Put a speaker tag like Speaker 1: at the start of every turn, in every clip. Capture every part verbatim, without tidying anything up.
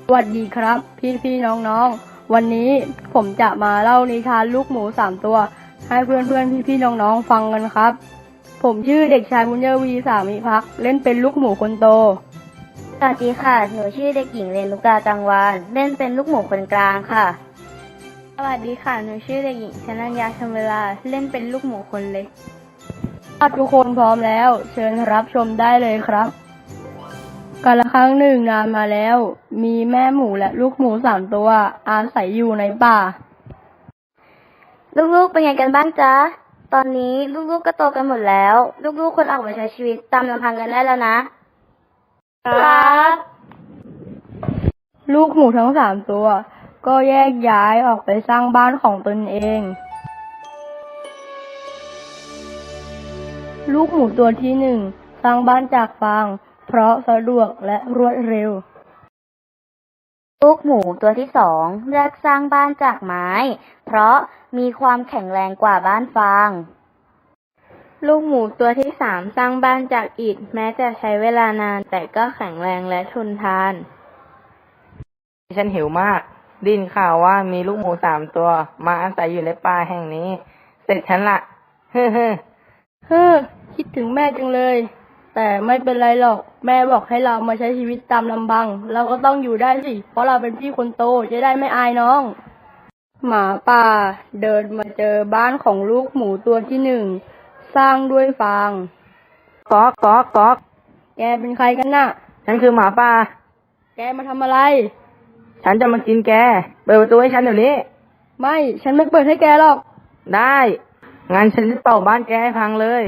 Speaker 1: สวัสดีครับพี่พี่น้องน้องวันนี้ผมจะมาเล่านิทานลูกหมูสามตัวให้เพื่อนเพื่อนพี่พี่น้องน้องฟังกันครับผมชื่อเด็กชายบุญเยวีสามิภักดิ์เล่นเป็นลูกหมูคนโต
Speaker 2: สวัสดีค่ะหนูชื่อเด็กหญิงเรนุกาจังวานเล่นเป็นลูกหมูคนกลางค่ะ
Speaker 3: สวัสดีค่ะหนูชื่อเด็กหญิงชนัญญาชมเวลาเล่นเป็นลูกหมูคนเล็ก
Speaker 1: ทุกคนพร้อมแล้วเชิญรับชมได้เลยครับกาลครั้งหนึ่งนานมาแล้วมีแม่หมูและลูกหมูสามตัวอาศัยอยู่ในป่า
Speaker 2: ลูกๆเป็นไงกันบ้างจ๊ะตอนนี้ลูกๆก็โตกันหมดแล้วลูกๆควรออกมาใช้ชีวิตตามลำพังกันได้แล้วนะครับ
Speaker 1: ลูกหมูทั้งสามตัวก็แยกย้ายออกไปสร้างบ้านของตนเองลูกหมูตัวที่หนึ่งสร้างบ้านจากฟางเพราะสะดวกและรวดเร็ว
Speaker 2: ลูกหมูตัวที่สองเลือกสร้างบ้านจากไม้เพราะมีความแข็งแรงกว่าบ้านฟาง
Speaker 3: ลูกหมูตัวที่สามสร้างบ้านจากอิฐแม้จะใช้เวลานานแต่ก็แข็งแรงและทนทาน
Speaker 4: ฉันหิวมากได้ยินข่าวว่ามีลูกหมูสามตัวมาอาศัยอยู่ในป่าแห่งนี้เสร็จฉันละเฮ้อเฮ้อ
Speaker 1: เฮ้อคิดถึงแม่จังเลยแต่ไม่เป็นไรหรอกแม่บอกให้เรามาใช้ชีวิตตามลำพังเราก็ต้องอยู่ได้สิเพราะเราเป็นพี่คนโตจะได้ไม่อายน้องหมาป่าเดินมาเจอบ้านของลูกหมูตัวที่หนึ่งสร้างด้วยฟาง
Speaker 4: ก๊อกก๊อกก๊อก
Speaker 1: แกเป็นใครกันน่ะ
Speaker 4: ฉันคือหมาป่า
Speaker 1: แกมาทำอะไร
Speaker 4: ฉันจะมากินแกเปิดประตูให้ฉันเดี๋ยวนี้
Speaker 1: ไม่ฉันไม่เปิดให้แกหรอก
Speaker 4: ได้งั้นฉันจะเป่าบ้านแกให้พังเลย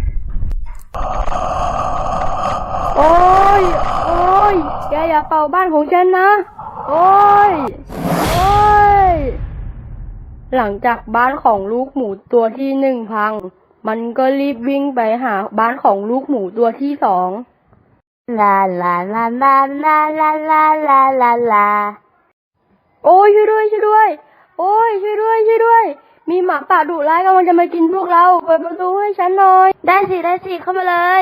Speaker 1: โอ้ยโอ้ยแกอย่าเป่าบ้านของฉันนะโอ้ยโอ้ยหลังจากบ้านของลูกหมูตัวที่หนึ่งพังมันก็รีบวิ่งไปหาบ้านของลูกหมูตัวที่สอง
Speaker 2: ลาลาลาลาลาลาลาลาลาลา
Speaker 1: โอ้ยช่วยด้วยช่วยด้วยโอ้ยช่วยด้วยช่วยด้วยมีหมาป่าดุร้ายกำลังจะมากินพวกเราเปิดประตูให้ฉันหน่อย
Speaker 2: ได้สิได้สิเข้ามาเลย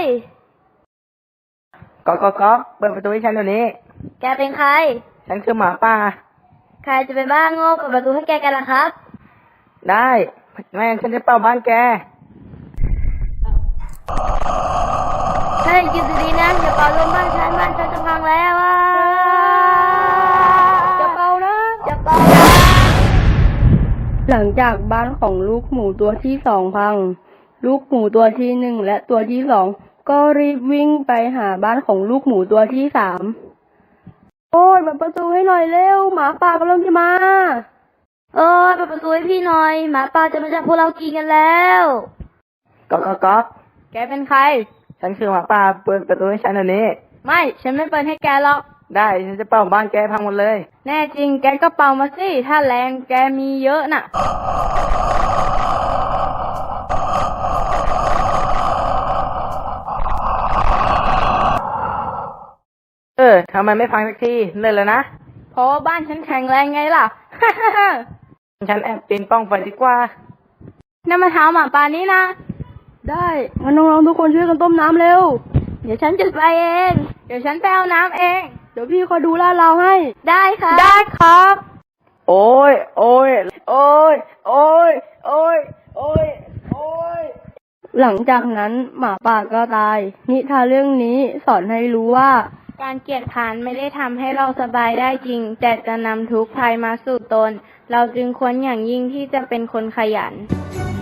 Speaker 4: ก๊อกก๊อกก๊อกเปิดประตูให้ฉันเดี๋ยวนี้
Speaker 2: แกเป็นใคร
Speaker 4: ฉันคือหมาป่า
Speaker 2: ใครจะเป็นบ้าโง่เปิดประตูให้แกกันล่ะครับ
Speaker 4: ได้แม่ฉันจะเป่าบ้านแก
Speaker 2: เฮ้ยหยุดดีๆนะอย่าเป่าลมบ้านฉันบ้านฉันจะพังแล้วอ่ะ
Speaker 1: จะเป่านะ
Speaker 2: จะเป่านะ
Speaker 1: หลังจากบ้านของลูกหมูตัวที่สองพังลูกหมูตัวที่หนึ่งและตัวที่สองก็รีบวิ่งไปหาบ้านของลูกหมูตัวที่สามโอ้ยเปิดประตูให้หน่อยเร็วหมาป่ากำลังจะมา
Speaker 2: เออเปิดประตูให้พี่หน่อยหมาป่าจะมาจับพวกเรากินกันแล้ว
Speaker 4: ก๊อกก๊อกก๊อก
Speaker 3: แกเป็นใคร
Speaker 4: ฉันคือหมาป่าเปิดประตูให้ฉันเดี๋ยวนี้
Speaker 3: ไม่ฉันไม่เปิดให้แกหรอก
Speaker 4: ได้ฉันจะเป่าบ้านแกพังหมดเลย
Speaker 3: แน่จริงแกก็เป่ามาสิถ้าแรงแกมีเยอะน่ะ
Speaker 4: เออทำไมไม่ฟังสักทีเลยแล้วนะ
Speaker 3: เพราะว่าบ้านฉันแข็งแรงไงล่ะ
Speaker 4: ฉันแอบปีนป้องไปดีกว่า
Speaker 3: น้ำมะพร้าวหมาป่านี้นะ
Speaker 1: ได้งั้นน้องๆทุกคนช่วยกันต้มน้ำเร็ว
Speaker 3: เดี๋ยวฉันจุดไฟเองเดี๋ยวฉันไปเอาน้ำเอง
Speaker 1: เดี๋ยวพี่คอยดูลาดเราให้
Speaker 3: ได้ค่ะ
Speaker 1: ได้ครับ
Speaker 4: โอ้ยโอ้ยโอ้ยโอ้ยโอ้ยโอ้ยโอ้ย
Speaker 1: หลังจากนั้นหมาป่าก็ตายนิทานเรื่องนี้สอนให้รู้ว่า
Speaker 3: การเกียจคร้านไม่ได้ทำให้เราสบายได้จริงแต่จะนำทุกข์ภัยมาสู่ตนเราจึงควรอย่างยิ่งที่จะเป็นคนขยัน